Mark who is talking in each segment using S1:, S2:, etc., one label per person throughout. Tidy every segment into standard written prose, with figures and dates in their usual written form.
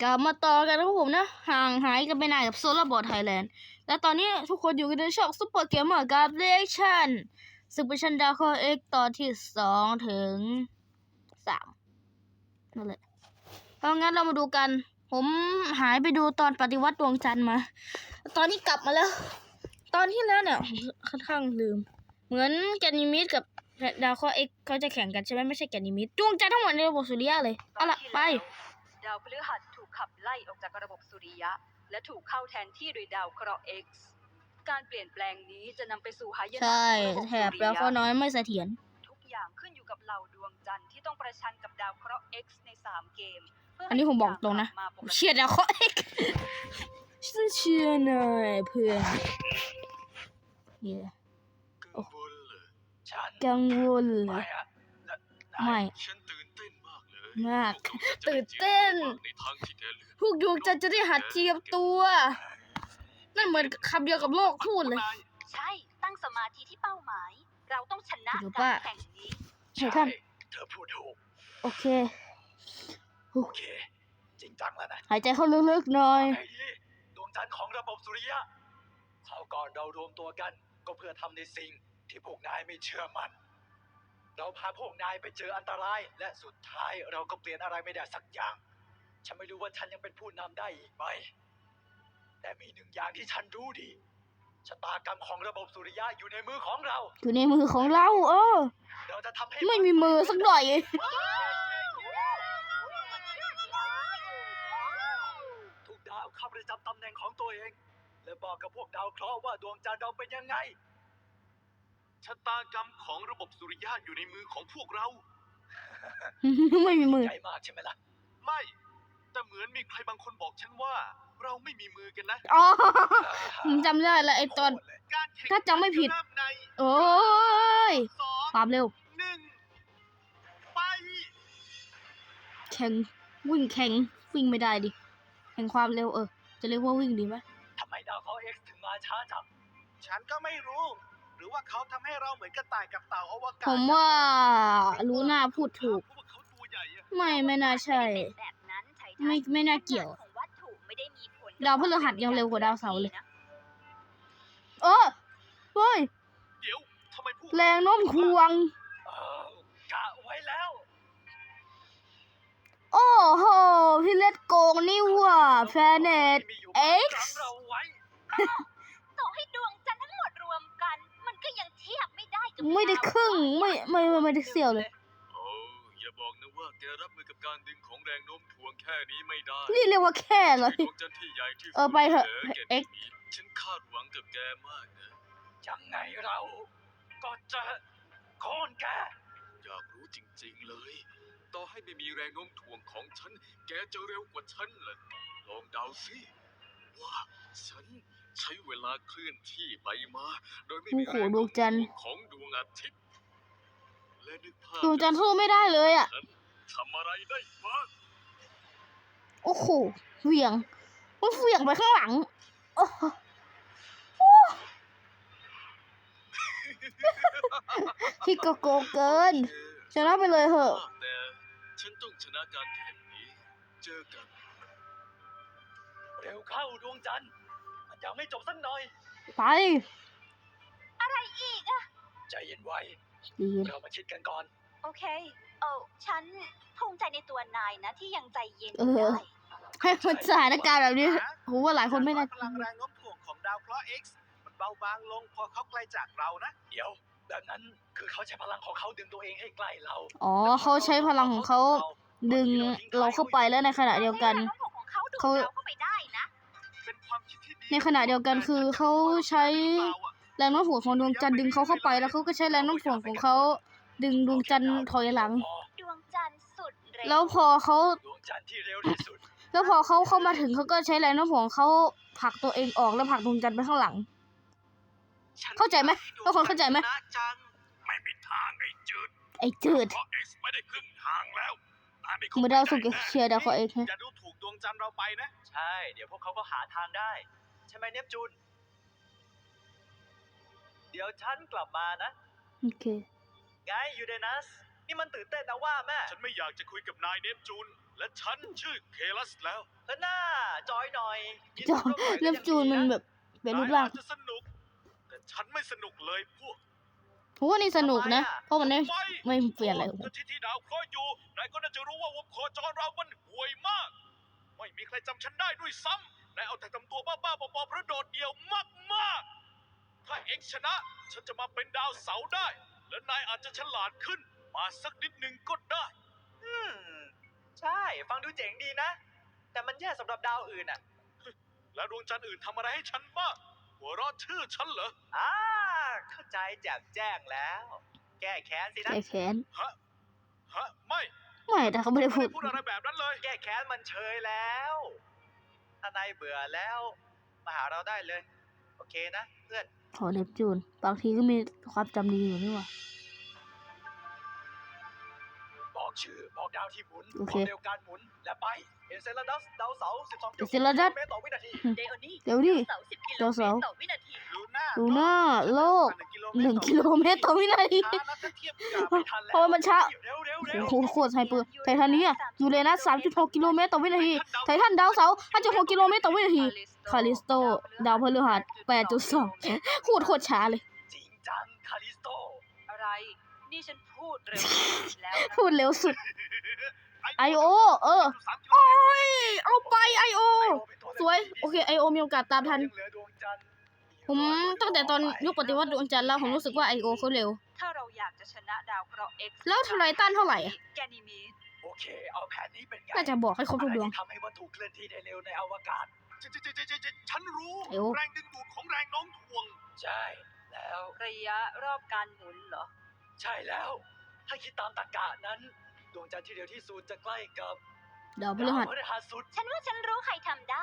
S1: กลับมาต่อกันนะครับผมนะห่างหายกันไปนานกับโซลาร์บอร์ดไทยแลนด์และตอนนี้ทุกคนอยู่กันในช่องซุปเปอร์เกมเมอร์กับเรียกชั่นซึ่งเป็นชั้นดาวเคราะห์ X ตอนที่2 ถึง 3นั่นแหละเพราะงั้นเรามาดูกันผมหายไปดูตอนปฏิวัติดวงจันทร์มาตอนนี้กลับมาแล้วตอนที่แล้วเนี่ยค่อนข้างลืมเหมือนแกนิมิดกับดาวเคราะห์ X เขาจะแข่งกันใช่ไหมไม่ใช่แกนิมิดดวงจันทร์ทั้งหมดในระบบสุริยะเลยเอาล่ะไป
S2: ดาวพฤหัสถูกขับไล่ออกจากระบบสุริยะและถูกเข้าแทนที่โดยดาวเคราะห์ X การเปลี่ยนแปลงนี้จะนำไปสู่หายนะ
S1: ใช่
S2: ของระบบ
S1: แถบ
S2: สุริ
S1: แล้วก็
S2: ยะ
S1: น้อยไม่เสถียร
S2: ทุกอย่างขึ้นอยู่กับเหล่าดวงจันทร์ที่ต้องประชันกับดาวเคราะห์ X ใน3เกม
S1: อันนี้ผมบอกตรงนะเชียร์ดาวเคราะห์ X ฉันเชียร์หน่อยเพื่อนกังวลเลยไม่
S3: ฉันตื่นเต้นมากเลย
S1: มากตื่นเต้นพวกดวงจันทร์จะได้หัดเทียมตัวนั่นเหมือนคำเดียวกับโลกพูดเลย
S2: ใช่ตั้งสมาธิที่เป้าหมายเราต้องชนะ
S1: การ
S2: แข่งนี้
S1: ใช่ท่าน
S3: เธอพูดถูก
S1: โอเค
S3: จริงจังแล้วนะ
S1: หายใจเข้าลึกๆหน่อย
S3: ดวงจันทร์ของระบบสุริยะคราวก่อนเรารวมตัวกันก็เพื่อทำในสิ่งที่พวกนายไม่เชื่อมันเราพาพวกนายไปเจออันตรายและสุดท้ายเราก็เปลี่ยนอะไรไม่ได้สักอย่างฉันไม่รู้ว่าฉันยังเป็นผู้นำได้อีกไหมแต่มีหนึ่งอย่างที่ฉันรู้ดีชะตากรรมของระบบสุริยะอยู่ในมือของเรา
S1: อยู่ในมือของเรา
S3: เราจะทำให้
S1: ไม่มีมือสักหน่อย
S3: ทุกดาวเข้าประจำตำแหน่งของตัวเองและบอกกับพวกดาวเคราะห์ว่าดวงจันทร์เราเป็นยังไงชะตากรรมของระบบสุริยะอยู่ในมือของพวกเรา
S1: ไม่มีมือ
S3: ใหญ่มากใช่ไหมล่ะไม่แต่เหมือนมีใครบางคนบอกฉันว่าเราไม่มีมือกันนะ
S1: อ๋อผมจำได้แล้วไอ้ตอนถ้าจำไม่ผิดโอ้ยความเร็ว
S3: ไป
S1: แข่งวิ่งไม่ได้ดิแข่งความเร็วจะเรียกว่าวิ่งดีไหม
S3: ทำไมดาวเคราะห์ X ถึงมาช้าจังฉันก็ไม่รู้หรือว่าเขาทำให้เราเหมือนกระต่ายกับเต่าอวกาศ
S1: ผมว่ารู้น่าพูดถูกไม่น่าใช่ไม่น่าเกี่ยวดาวพฤหัสยังเร็วกว่าดาวเสาร์เลยเฮ้ยแรงโน้มถ่วง
S3: กะไว้แล้ว
S1: โอ้โหพี่เล็ดโกงนี่ว่ะแพลเน็ต X
S2: ต่อให้ดวงจันทร์ทั้งหมดรวมกันมันก็ยังเทียบไม่ได้กับ
S1: ไม่ได้ครึ่งไม่ได้เสี้ยวเลย
S3: อย่าบอกนะว่าแกรับมือกับการดึงของแรงโน้มถ่วงแค่นี้ไม่ได้
S1: นี่เรียกว่าแค่เลย
S3: ดวงจันทร์ที่ใหญ่ที่สุด
S1: ไปเถอะ X
S3: ฉันคาดหวังกับแกมากนะยังไงเราก็จะโค่นแกอยากรู้จริงๆเลยต่อให้ไม่มีแรงโน้มถ่วงของฉันแกจะเร็วกว่าฉันเลยลองเดาสิว่าฉันใช้เวลาเคลื่อนที่ไปมาโดยไม่มีแรงโน้มถ่วงของดวงอาทิตย์และนึกภาพ
S1: ดวงจันทร์สู้ไม่ได้เลย
S3: ทำอะไรได้บ้าง
S1: โอ้โหเหวี่ยงไปข้างหลังพี่ก็โกงเกินชนะไปเลยเหอะ
S3: แต่ฉันต้องชนะการแข่งนี้เจอกันเร็วเข้าดวงจันทร์มันยังไม่จบสักหน่อย
S1: ไป
S2: อะไรอีก
S3: ใจเย็นไว้เรามาคิดกันก่อน
S2: โอเคฉันภูมิใจในตัวนายนะที่ยังใจเย็น
S1: ได้ให้คนสถานการณ์แบบนี้ผมว่าหลายคนไม่น่า
S3: พลังแรงโน้มถ่วงของดาวเคราะห์ X มันเบาบางลงพอเขาไกลจากเรานะเดี๋ยวแบบนั้นคือเขาใช้พลังของเขาดึงตัวเองให้ใกล้เรา
S1: เขาใช้พลังของเขาดึงเราเข้าไปแล้วในขณะเดียวกันเขาในขณะเดียวกันคือเขาใช้แรงโน้มถ่วงของดวงจันทร์ดึงเขาเข้าไปแล้วเขาก็ใช้แรงโน้มถ่วงของเขาดึงดวงจันทร์ถอยหลังแล้วพอเขาเข้ามาถึงเขาก็ใช้แรงโน้มถ่วงเขาผลักตัวเองออกแล้วผลักดวงจันทร์ไปข้างหลังเข้าใจไหมทุกคนเข้าใจไหม
S3: ไม่มีทางไอ้
S1: จืด
S3: ไม่ได้ครึ่งทางแล้ว
S1: เมื่อดาวสุกเชียร์ดาวเขาเอง
S3: จะดูถูกดวงจันทร์เราไปนะใช่เดี๋ยวพวกเขาก็หาทางได้ใช่ไหมเนปจูนเดี๋ยวฉันกลับมานะ
S1: โอเค
S3: ไงยูเรนัสนี่มันตื่นเต้นนะว่าแม่ฉันไม่อยากจะคุยกับนายเนปจูนและฉันชื่อเคลัสแล้ว
S4: เฮ้ยหน้าจอยหน่อย
S1: จอยเล็บจูนมันแบบเป็นรูปร่าง
S3: นายอาจจะสนุก แต่ฉันไม่สนุกเลยพวก
S1: ผมว่านี่สนุกนะ เพราะมันไม่
S3: ไม่
S1: ไม่เปลี่ยนอะไร
S3: ถ้าที่ดาวเคราะห์อยู่นายก็น่าจะรู้ว่าวงโคจรเรามันห่วยมาก ไม่มีใครจำฉันได้ด้วยซ้ำนายเอาแต่ทำตัวบ้าๆบอๆเพราะโดดเดี่ยวมากๆ ถ้าเอ็กซ์ชนะ ฉันจะมาเป็นดาวเสาร์ได้ และนายอาจจะฉลาดขึ้น มาสักนิดหนึ่งก็ได้
S4: ใช่ ฟังดูเจ๋งดีนะ แต่มันแย่สำหรับดาวอื่นอ่ะ
S3: แล้วดวงจันทร์อื่นทำอะไรให้ฉันบ้างหัวเราะชื่อฉันเหรอ
S4: เข้าใจแจ่มแจ้งแล้ว แก้แค้นสินะ
S1: แก้แค้น
S3: ฮะ ไม่
S1: ไม่แต่เขาไม่ได้พูด
S3: พูดอะไรแบบนั้นเลย
S4: แก้แค้นมันเชยแล้ว ถ้านายเบื่อแล้ว มาหาเราได้เลย โอเคนะเพื่อน
S1: ขอเล็บจูน บางทีก็มีความจำดีอยู่นี่หว่า
S4: บอกชื่อ บอกดาวที่หมุน
S1: โอเค
S4: บอกเร็วการหมุน และไป เอเซลดัสดาวเสาร์ 12.6
S1: เอเซลดัส
S4: เมตรต่อวินาที
S2: เดโอนี่
S1: เดี๋ยวดิ
S2: เสา10 กิโล
S1: ดาว
S2: เม
S1: เสา
S2: ต
S1: ร์
S2: รต่อวินาที
S3: ลูน่า
S1: ดูหน้าโลก 1 กิโลเมตรต่อวินาที
S4: ช้านะถ้าเทียบกับไม่ทันแล้ว
S1: เพราะว่ามันช้า
S4: เร็วเร็วเร็ว
S1: โอ้โหโคตรไฮเปอร์ไททันเนียยูเรนัส 3.6 กิโลเมตรต่อวินาที ไททันดาวเสาร์ 5.6 กิโลเมตรต่อวินาที คาลิสโต ดาวพฤหัส 8.2 โคตรช้าเลย
S4: จริงจังคาลิสโต
S2: อะไร นี่ฉันพูดเร็วแล้วนะ
S1: พูดเร็วสุด I.O. โอ้ย เอาไป I.O. สวย โอเค I.O. มีโอกาสตามทัน ผมตั้งแต่ตอนยุคปฏิวัติดวงจันทร์แล้ว ผมรู้สึกว่า I.O. เขาเร็ว
S2: ถ้าเราอยากจะชนะดาวเคราะห์ X
S1: แล้วไททันเท่าไหร่อะ
S2: แกนิมีด
S4: โอเค เอาแผนนี้เป็นไง
S1: น่าจะบอกให้ครบทุกดวง
S4: อะไรที่ทำให้วัตถุเคลื่อนที่ได้เร็วในอวกาศ
S3: ฉันรู้
S1: เอ้ว
S3: แรงดึงดูดของแรงโน้มถ่วง
S4: ใช่ แล้ว
S2: ระยะรอบการหมุนเหรอ
S4: ใช่แล้ว ถ้าคิดตามตรรกะนั้น ดวงจันทร์ที่เร็วที่สุดจะใกล้กับ
S1: ดาวพฤหัส
S4: ดาวพฤหัสสุด
S2: ฉันว่าฉันรู้ใครทำได้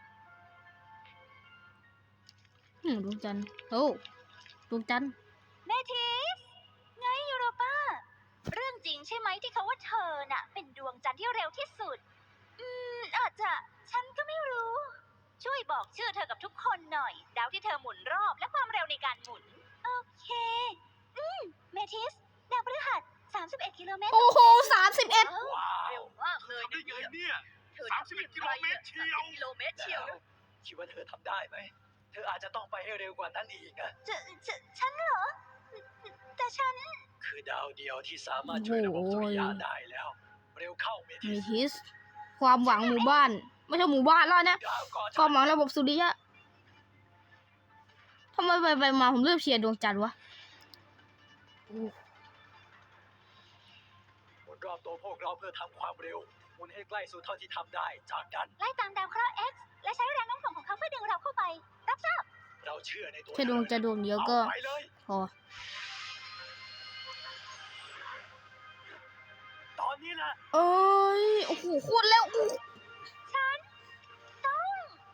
S1: ดวงจันทร์ โอ้ดวงจันทร์
S2: เมทิส ไงยูโรป้า เรื่องจริงใช่ไหมที่เขาว่าเธอน่ะ เป็นดวงจันทร์ที่เร็วที่สุด อาจจะ ฉันก็ไม่รู้ ช่วยบอกชื่อเธอกับทุกคนหน่อย ดาวที่เธอหมุนรอบและความเร็วในการหมุน โอเค เมทิส ดาวพฤหัส 31 กิโลเมตร
S1: โอ้โห 31
S4: ว้า
S2: เร็
S4: ว
S2: วมากเลย
S3: ทำได้ไงเนี่ย
S2: เธอทำได้อย่างไรอะ
S3: 31 กิโลเมตรเชียว
S2: กิโลเมตรเชียว
S4: แล้วคิดว่าเธอทำได้ไหม เธออาจจะต้องไปให้เร็วกว่านั้นอีกนะ
S2: ฉันเหรอ แต่ฉัน
S4: คือดาวเดียวที่สามารถช่วยระบบสุริยะได้แล้ว เร็วเข้าเม
S1: เม
S4: ทิส
S1: ทิส ความหวังหมู่บ้าน ไม่ใช่หมู่บ้านแล้วนะ
S4: ดาวก่อน
S1: ความหวังระบบสุริยะทำไมไปมาผมเลือกเชียร์ดวงจันทร์วะ
S4: หมุนรอบตัวพวกเราเพื่อทำความเร็ว หมุนให้ใกล้สู่เท่าที่ทำได้ จากนั้น
S2: ไล่ตามดาวเคราะห์ X และใช้แรงโน้มถ่วงของเขาเพื่อดึงเราเข้าไป รับทราบ
S4: เราเชื่อในตัว
S1: แค่ดวงจันทร์ดวงเดียวก็
S4: เอาไปเลย
S1: พอ
S4: ตอนนี้แหละ
S1: เอ้ย โอ้โหโคตรแล้วอู้
S2: ฉันต้อง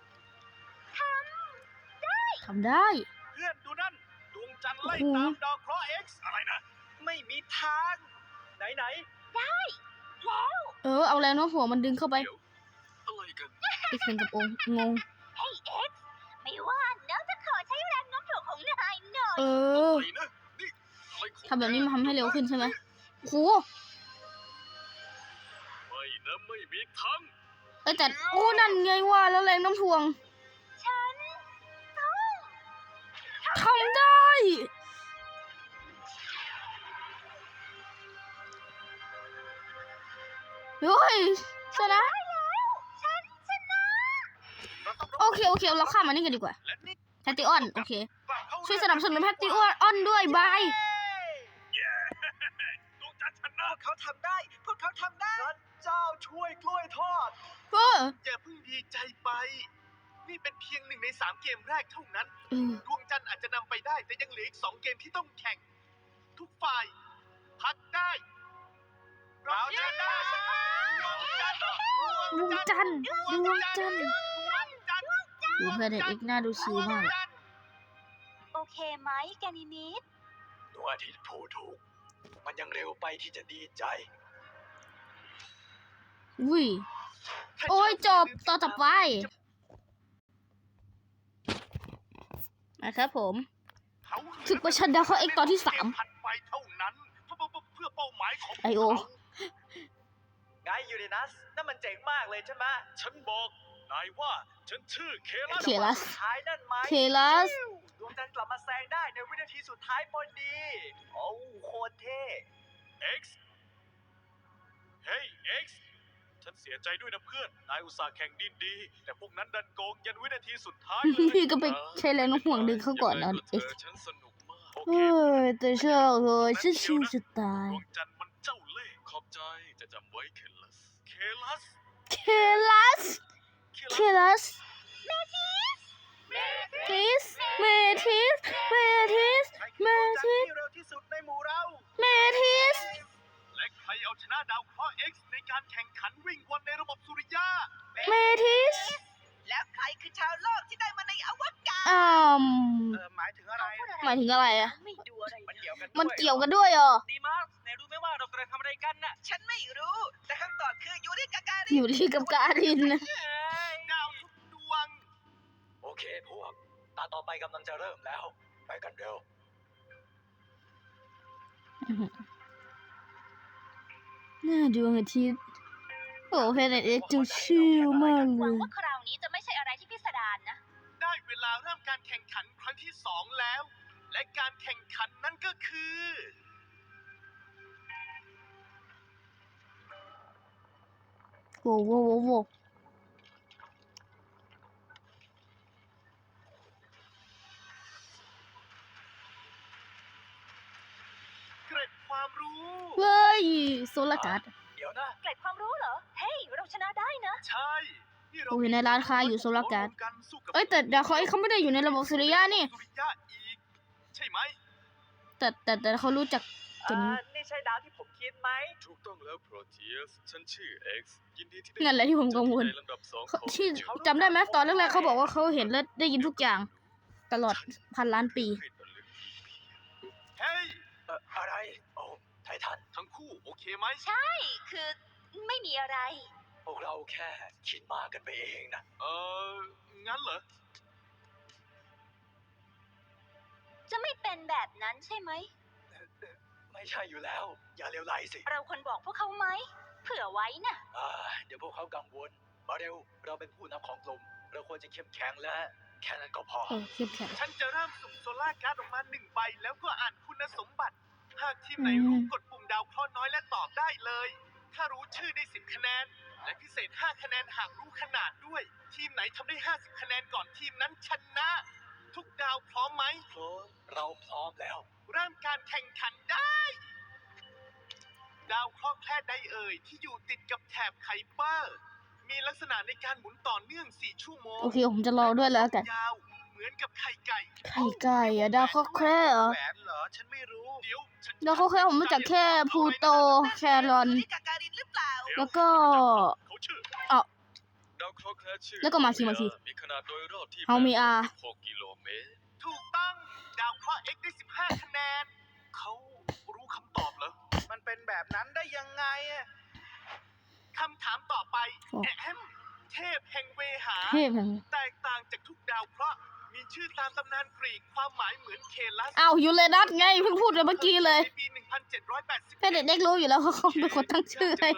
S2: ท
S1: ทำได้
S3: เพื่อนดูนั่น ดวงจันทร์ไล่
S1: โอ้โห
S3: ตามดาวเคราะห์ X อะไรนะ
S4: ไม่มีทาง ไหน
S1: เอาแรงโน้มถ่วงมันดึงเข้าไป
S3: เดี๋ยว อะไรกัน
S1: อีกเป็นกับองค์งง
S2: ำให้ X ไม่ว่าน้องจะขอใช้แรงโน้มถ่วงของนายหน่อย
S1: เออ
S3: อะไรนะนี่อะไรของ
S1: ทำแบบนี้มันทำให้เร็วขึ้นใช่ไหมโอ้โห
S3: ไม่นะไม่มีทาง
S1: เอ้ยแต่โอ้นั่นไงว่าแล้วแรงโน้มถ่วง
S2: ฉันต้อง
S1: ทำได้เฮ้ยชนะ
S2: ฉันชนะ
S1: โอเคเราข้ามมานี่กันดีกว่า
S3: และนี่
S1: แพตติออน โอเค
S3: กลับเข้า
S1: ช่วยสนับสนุนแพตติออนด้วยบาย
S3: ดวงจันทร์ชนะ
S4: ๆ เขาทำได้ พวกเขาทำได้พระเจ้าช่วยกล้วยทอด
S1: เออ
S3: อย่าเพิ่งดีใจไป นี่เป็นเพียง1 ใน 3 เกมแรกเท่านั้น
S1: เออ
S3: ดวงจันทร์อาจจะนำไปได้ แต่ยังเหลืออีก 2 เกมที่ต้องแข่ง ทุกฝ่าย พักได้ เราจะได้ดวงจันทร์
S1: ดวงจันทร์ดูเพื่อนเด็กอีกหน้าดูชิลมาก
S2: โอเคไหมแกนิมิด
S4: ดวงอาทิตย์พูดถูก มันยังเร็วไปที่จะดีใจ
S1: อุ้ย โอ้ยจบต่อไปนะครับผม ศึกประชันดาวเคราะห์ X ตอนที่ 3
S3: ถัดไปเท่านั้นเพื่อเป้าหมายของ
S1: ไอโอ
S3: เขา
S4: ไงยูเรนัสนั่นมันเจ๋งมากเลยใช่ไหม
S3: ฉันบอกนายว่าฉันชื่อเคลัส
S1: เคลัส
S4: สุดท้ายนั่นไหม
S1: เคลัส
S4: ดวงจันทร์กลับมาแซงได้ในวินาทีสุดท้ายพอดี โอ้โคตรเท่
S3: X เฮ้ย X ฉันเสียใจด้วยนะเพื่อน นายอุตส่าห์แข่งดินดี แต่พวกนั้นดันโกงยันวินาทีสุดท้ายเลย
S1: พี่ก็ไปใช้แรงโน้มถ่วงดึงเขาก่อนนะ
S3: ยังไงก็
S1: เอ็ก
S3: เถอะฉันสนุกมาก โอ
S1: เอ
S3: เค
S1: อแต่ชอบเลยฉันชิวจะตาย
S3: ดวงจันทร์มันเจ้าเล่ห์ขอบใจจะจำไว้เคลัส เคลัส
S1: เคลัส เคลัส เมทิส เมทิส เมทิส
S4: ใคร
S1: เม
S4: คือดวงจันท
S1: ทิส
S4: ร์ที่เร็วที่สุดในหมู่เรา
S1: เมทิส
S3: และใครเอาชนะดาวเคราะห์ X ในการแข่งขันวิ่งวนในระบบสุริยะ
S1: เมทิส
S2: แล้วใครคือชาวโลกที่ได้มาในอวกาศ
S4: หมายถึงอะไร
S1: หมายถึงอะไรอะ
S2: ไม่ดูอะไร
S4: มันเกี่ยวกัน
S1: มันเกี่ยวกันด้วยเหรอ
S4: ดีมากไหนรู้ไหมว่าเรากำลังทำอะไรกันน่ะ
S2: ฉันไม่รู้ แต่คำตอบคือยูริกากา
S1: อยู่ที่กับการินนะ
S3: ดาวทุกดวง
S4: โอเคพวก ตาต่อไปกำลังจะเริ่มแล้ว ไปกันเร็ว
S1: หน้าดวงอาทิตย์โอ้เพนเอ็กซ์ดูชิลมาก
S2: ห
S1: เล
S2: วัง
S1: ย
S2: ว่าคราวนี้จะไม่ใช่อะไรที่พิสดารนะ
S3: ได้เวลาเริ่มการแข่งขันครั้งที่ 2 แล้ว และการแข่งขันนั่นก็คือ
S1: โว้โว้โว้โว้
S3: เกร็ดความรู้
S1: เฮ้ยโซลาร์การ์ด
S4: เดี๋ยวนะ
S2: เกล็ดความรู้เหรอ เฮ้ย เราชนะได้นะ
S3: ใช่นี่เรา
S1: โอ้ยในร้านค้าอยู่โซลาร์การ์ด
S3: กันสู้กับ
S1: เอ้ยแต่ดาวเคราะห์เขาไม่ได้อยู่ในระบบสุริยะนี่
S3: สุริยะอีก ใช่ไหม
S1: แต่เขารู้จักกันนี้
S4: นี่ใช่ดาวที่ผมคิดไหม
S3: ถูกต้องแล้วโปรเทียสฉันชื่อ X ยินดีที่ได้
S1: นั่นแหละที่ผมกังวล
S3: ในลำดับ2ของ
S1: ที่จำได้ไหมตอนแรกๆเขาบอกว่าเขาเห็นและได้ยินทุกอย่าง ตลอดพันล้านปี
S3: เฮ้ย
S4: อะไร โอ้ไททัน
S3: ทั้งคู่โอเคไหม
S2: ใช่ คือไม่มีอะไร
S4: พวกเราแค่คิดมากกันไปเองนะ
S3: งั้นเหรอ
S2: จะไม่เป็นแบบนั้นใช่ไหม
S4: ไม่ใช่อยู่แล้ว อย่าเลวไหลสิ
S2: เราควรบอกพวกเขาไหม เผื่อไว้นะ
S4: เดี๋ยวพวกเขากังวล มาเร็ว เราเป็นผู้นำของกลุ่ม เราควรจะเข้มแข็งและแค่นั้นก็พอ
S1: เข้มแข็ง
S3: ฉันจะเริ่มสุ่มโซล่าร์การ์ดออกมา1 ใบแล้วก็อ่านคุณสมบัติ หากทีมไหนรู้กดปุ่มดาวเคราะห์น้อยและตอบได้เลย ถ้ารู้ชื่อได้10 คะแนน และพิเศษ 5 คะแนนหากรู้ขนาดด้วย ทีมไหนทำได้ 50 คะแนนก่อนทีมนั้นชนะ ทุกดาวพร้อมไหม
S4: พร้อม เราพร้อมแล้ว
S3: เริ่มการแข่งขันได้ ดาวเคราะห์แคลดใดเอ่ยที่อยู่ติดกับแถบไคเปอร์ มีลักษณะในการหมุนต่อเนื่อง4 ชั่วโมง
S1: โอเคผมจะรอด้วยแล้วกัน
S3: ยาวเหมือนกับไข่ไก่
S1: ไข่ไก่อะดาวเคราะห์แคร่เหรอ
S3: แหวนเหรอ ฉันไม่รู้ เดี๋ยวฉัน
S1: ดาวเคราะห์แคร่ผมรู้จักแค่พลูโต แครอน
S2: ยูริกาการินหรือเปล่า
S1: แล้วก็
S3: เขาชื่อ
S1: อ้าว
S3: ดาวเคราะห์แคระชื่อ
S1: แล้วก็มาที
S3: มีขนาดโดยรอบที่
S1: เฮามีอา
S3: 6 กิโลเมตร ถูกต้อง ดาวเคราะห์ X ได้ 15 คะแนน เขารู้คำตอบเหรอ
S4: มันเป็นแบบนั้นได้ยังไงอะ
S3: คำถามต่อไป
S1: โอ้
S3: แอมเทพแห่งเวหา
S1: เทพแห่ง
S3: แตกต่างจากทุกดาวเคราะห์ มีชื่อตามตำนานกรีก ความหมายเหมือนเคลัส
S1: อ้าวยูเรนัสไงเพิ่งพูดไปเมื่อกี้เลย
S3: ในปี 1780
S1: แค่เด็กๆรู้อยู่แล้วว่าเขาเป็นคนตั้งชื่อให้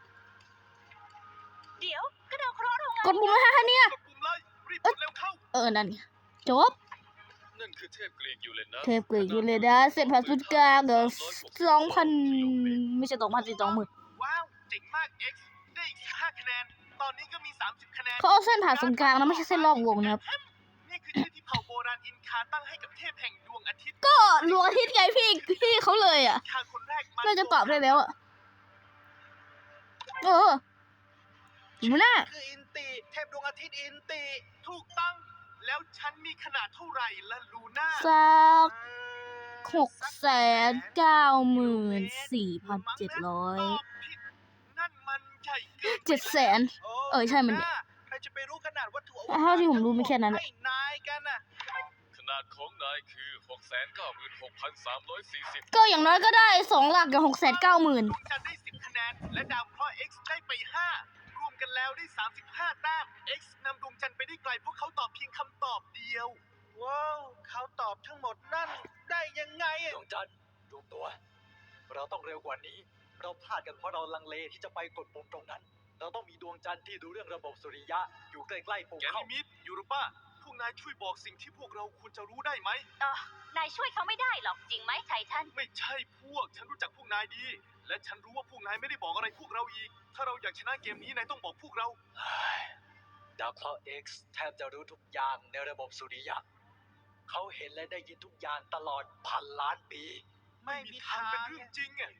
S2: เดี๋ยวก็ดาวเคราะห์เราไง
S1: กดปุ่มเลยฮะเนี่ย
S3: กดปุ่มเลย รีบกดเร็วเข้า
S1: นั่นไงจบ
S3: นั่นคือเทพกรีกยูเรนัส
S1: เทพกรีกยูเรนัสเสร็จผ่านศูนย์กลางเดี๋ยว2,000 ไม่ใช่2,000สิ20,000
S3: ว้าว เจ๋งมาก X ได้อีก15 คะแนน ตอนนี้ก็มี 30 คะแนน
S1: เขาเอาเส้นผ่านศูนย์กลางนะไม่ใช่เส้นรอบวงนะครับ
S3: นี่คือชื่อที่เผ่าโบราณอินคาตั้งให้กับเทพแห่งดวงอาทิตย์
S1: ก็ดวงอาทิตย์ไงพี่เขาเลยอ่ะ
S3: คาคนแรกมา
S1: น่าจะตอบได้แล้วอ่ะอยู่หน้า
S4: คืออินติ เทพดวงอาทิตย์อินติ
S3: ถูกต้อง แล้วฉันมีขนาดเท่าไหร่ละลูน่า
S1: สัก 694,700
S3: ตอบผิด นั่นมันใหญ่เกินไป
S1: 700,000 ใช่มัน
S4: ใครจะไปรู้ขนาดวัตถุอว
S1: เท่าที่ผมรู้มีแค่นั้น
S4: ให้นายกันน่ะ
S3: ขนาดของนายคือ 696,340
S1: ก็อย่างน้อยก็ได้2หลักกับ
S3: ดว
S1: 690,000
S3: งจันทร์ได้ 10 คะแนน และดาวเคราะห์ X ได้ไป 5 รวมกันแล้วได้ 35 แต้ม X นำดวงจันทร์ไปได้ไกลเพราะเขาตอบเพียงคำตอบเดียว
S4: ว้าว เขาตอบทั้งหมดนั่นได้ยังไงดวงจันทร์รวมตัว เราต้องเร็วกว่านี้เราพลาดกันเพราะเราลังเลที่จะไปกดปุ่มตรงนั้น เราต้องมีดวงจันทร์ที่ดูเรื่องระบบสุริยะอยู่ใกล้ๆปุ่ม
S3: แก
S4: เข้า
S3: นิมิดยูโรป้าพวกนายช่วยบอกสิ่งที่พวกเราควรจะรู้ได้ไหม
S2: นายช่วยเขาไม่ได้หรอกจริงไหมไททัน
S3: ไม่ใช่พวก ฉันรู้จักพวกนายดี และฉันรู้ว่าพวกนายไม่ได้บอกอะไรพวกเราอีก ถ้าเราอยากชนะเกมนี้นายต้องบอกพวกเรา
S4: ดาวเคราะห์ X แทบจะรู้ทุกอย่างในระบบสุริยะ เขาเห็นและได้ยินทุกอย่างตลอดพันล้านปี
S3: ไม่มีทางเป็นเรื่องจริงอ่ะ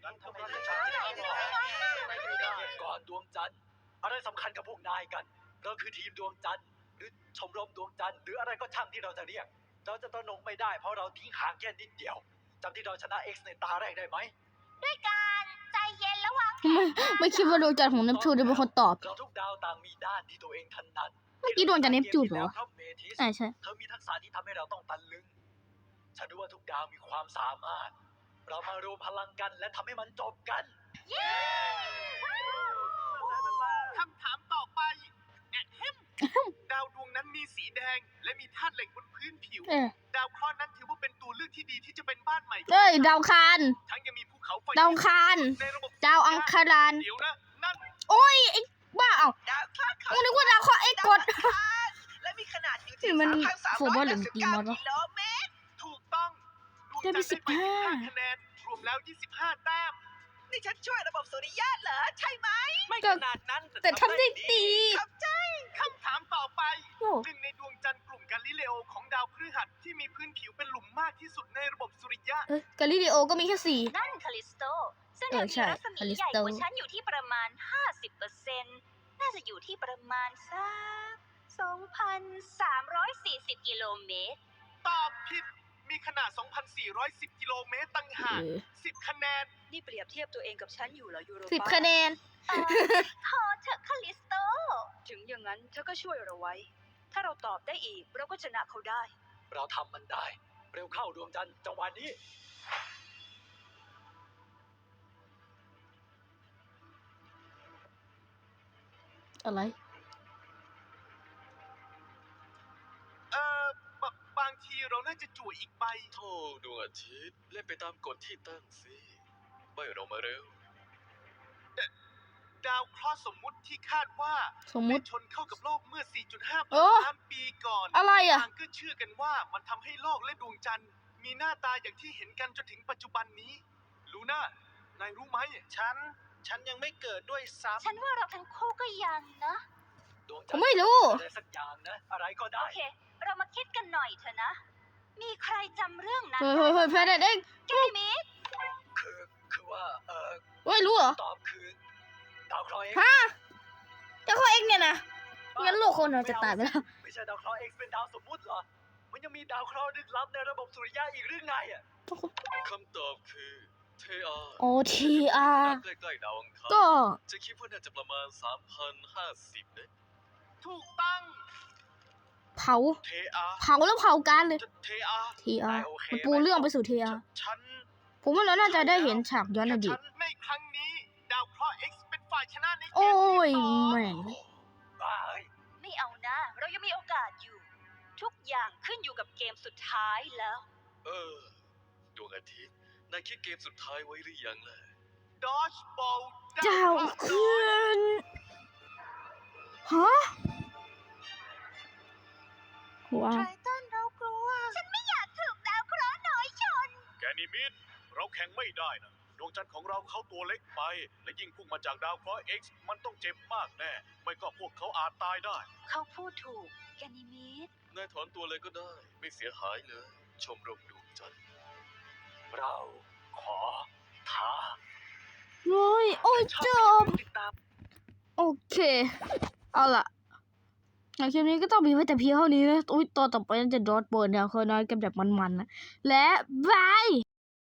S4: ก่อนดวงจันทร์อะไรสำคัญกับพวกนายกัน เราคือทีมดวงจันทร์หรือชมรมดวงจันทร์หรืออะไรก็ช่างที่เราจะเรียก เราจะตระหนกไม่ได้เพราะเราทิ้งห่างแค่นิดเดียวจำที่เราชนะ X ในตาแรกได้ไหม
S2: ด้วยการใจเย็นแล้ววาง
S1: ไม่คิดว่าดวงจันทร์ของเนปจูนจะเป็นคนตอบ
S4: เราทุกดาวต่างมีด้านที่ตัวเองถนัด
S1: เมื่อกี้ดวงจันทร์เนปจูนเหรอ
S4: ครับเมทิส
S1: ใช่ใช่
S4: เธอมีทักษะที่ทำให้เราต้องตะลึง ฉันรู้ว่าทุกดาวมีความสามารถ เรามารวมพลังกันและทำให้มันจบกัน
S3: คำถามต่อไปแอะแฮมดาวดวงนั้นมีสีแดง และมีธาตุเหล็กบนพื้นผิว
S1: เออ
S3: ดาวเคราะห์นั้นถือว่าเป็นตัวเลือกที่ดีที่จะเป็นบ้านใหม่ของ
S1: เอ้ยดาวคาร
S3: ทั้งยังมีภูเขาไฟ
S1: ดาวคาร
S3: ในระบบ
S1: ดาวอังคาราน
S3: เดี๋ยวนะนั่น
S1: โอ้ยไอ้บ้าเอ้า
S5: ดาวเคราะห์
S1: กูนึกว่าดาวเคราะห์เอ็กซ์กด
S5: และมีขนาดอยู่
S1: นี่
S5: ที่
S1: มัน
S5: 3,389
S1: โฟร์บอลหรือตีมอสวะ
S5: กิโลเมตร
S3: ถูกต้องดวง
S1: ได้ไป
S3: จันทร์ได้ไป
S1: 15
S3: 15คะแนน รวมแล้ว 25 แต้ม
S5: นี่ฉันช่วยระบบสุริยะเหรอ ใช่ไหม
S3: ไม่
S1: ก็
S3: ขนาดนั้น
S1: แต่ทำได้ดี
S5: ครับใจ
S3: คำถามต่อไป
S1: โอ้
S3: หนึ่งในดวงจันทร์กลุ่มกาลิเลโอของดาวพฤหัสที่มีพื้นผิวเป็นหลุมมากที่สุดในระบบสุริยะ
S1: เอ้ยกาลิเลโอก็มีแค่สี่
S2: นั่นคาลิสโต ซึ่ง
S1: เออ
S2: มี
S1: ใช่
S2: รัศมี
S1: คาลิส
S2: ใหญ่
S1: โต
S2: กว่าฉันอยู่ที่ประมาณ 50%น่าจะอยู่ที่ประมาณสัก 2,340 กิโลเมตร
S3: ตอบผิด มีขนาด 2,410 กิโลเมตรต่างหาก
S1: เออ
S3: 10 คะแนน
S5: นี่เปรียบเทียบตัวเองกับฉันอยู่เหรอยูโร
S1: 10
S5: ป้า
S1: คะแนน
S2: พอเถอะคาลิสโต
S5: ถึงอย่างนั้นเธอก็ช่วยเราไว้ ถ้าเราตอบได้อีก เราก็ชนะเขาได้
S4: เราทำมันได้ เร็วเข้าดวงจันทร์จังหวะนี้
S1: อะไร
S3: บางทีเราน่าจะจั่วอีกใบ
S6: โธ่ดวงอาทิตย์เล่นไปตามกฎที่ตั้งสิไม่เรามาเร็ว
S3: ดาวเคราะห์สมมุติที่คาดว่า
S1: สมมุ
S3: ได้
S1: ติ
S3: ชนเข้ากับโลกเมื่อ 4.5
S1: โอ้
S3: ล้านปีก่อน
S1: อะไรอ่ะ
S3: ต่างก็เชื่อกันว่ามันทำให้โลกและดวงจันทร์ มีหน้าตาอย่างที่เห็นกันจนถึงปัจจุบันนี้ ลูน่านายรู้ไหม ฉันยังไม่เกิดด้วยซ้
S2: ฉันว่าเราทั้งคู่ก็ยังนะ
S4: ดวง
S1: ผ
S4: จัน
S1: ม
S4: ทร์
S1: ไม่รู้
S4: อะไรสักอย่างนะ อะไรก็ได้
S2: โอเค เรามาคิดกันหน่อยเถอะนะ มีใครจำเรื่องนั้น
S1: เฮ้ยเฮ้ยเฮ้ยแพนเด็ก
S2: แกมิด
S4: คือว่า
S1: เฮ้ยรู้เหรอ
S4: ตอบคือ ดาวเคราะห์ X
S1: ฮะเจ้าข้อเอ็กซ์เนี่ยนะงั้นโลกคนเราจะตายไปแล้ว
S4: ไม่ใช่ดาวเคราะห์ X เป็นดาวสมมุติเหรอ มันยังมีดาวเคราะห์ลึกลับในระบบสุริยะอีกหรือไงอ่ะ
S6: คำตอบคือเทอา
S1: โอทีอาร์
S6: ใกล้ๆดาวอังคาร
S1: ก็
S6: จะคิดว่าน่าจะประมาณ 3,050นะ
S3: ำถูกต้อง
S1: เผา
S3: เทอา
S1: เผาแล้วเผากันเลย
S3: เทอา
S1: ทีอาร์
S4: โอเค
S1: มันปูเรื่องไปสู่ทีอาร์
S3: ฉัน
S1: ผมว่าเราน่าจะได้เห็นฉากย้อนอดีต
S3: ฉันในครั้งนี้ ดาวเคราะห์ X เป็นฝ่ายชนะในเกม
S1: โอ้ย
S3: ที่สอง
S1: แม่ง
S4: บ้าเอ้ย
S2: ไม่เอานะ เรายังมีโอกาสอยู่ ทุกอย่างขึ้นอยู่กับเกมสุดท้ายแล้ว
S6: ดวงอาทิตย์นายคิดเกมสุดท้ายไว้หรือยังล่ะ
S3: ดอชบอล
S1: เจ้าคืนฮะว้าว
S2: ไททันเรากลัว ฉันไม่อยากถูกดาวเคราะห์น้อยชน
S3: แกนิมิดเราแข่งไม่ได้นะ ดวงจันทร์ของเราเขาตัวเล็กไป และยิ่งพุ่งมาจากดาวเคราะห์ X มันต้องเจ็บมากแน่ ไม่ก็พวกเขาอาจตายได้
S2: เขาพูดถูก แกนิมิด
S6: นายถอนตัวเลยก็ได้ ไม่เสียหายเลย ชมรมดวงจันทร์
S4: เราขอท้า
S1: โอ้ยโอ้ยจบ
S3: ติดตาม
S1: โอเค เอาล่ะในคลิปนี้ก็ต้องมีไว้แต่เพียงเท่านี้นะอุ้ยตอนต่อไปน่าจะดอทเบิร์นเนี่ยเคยน้อยกันแบบมันๆนะ และบาย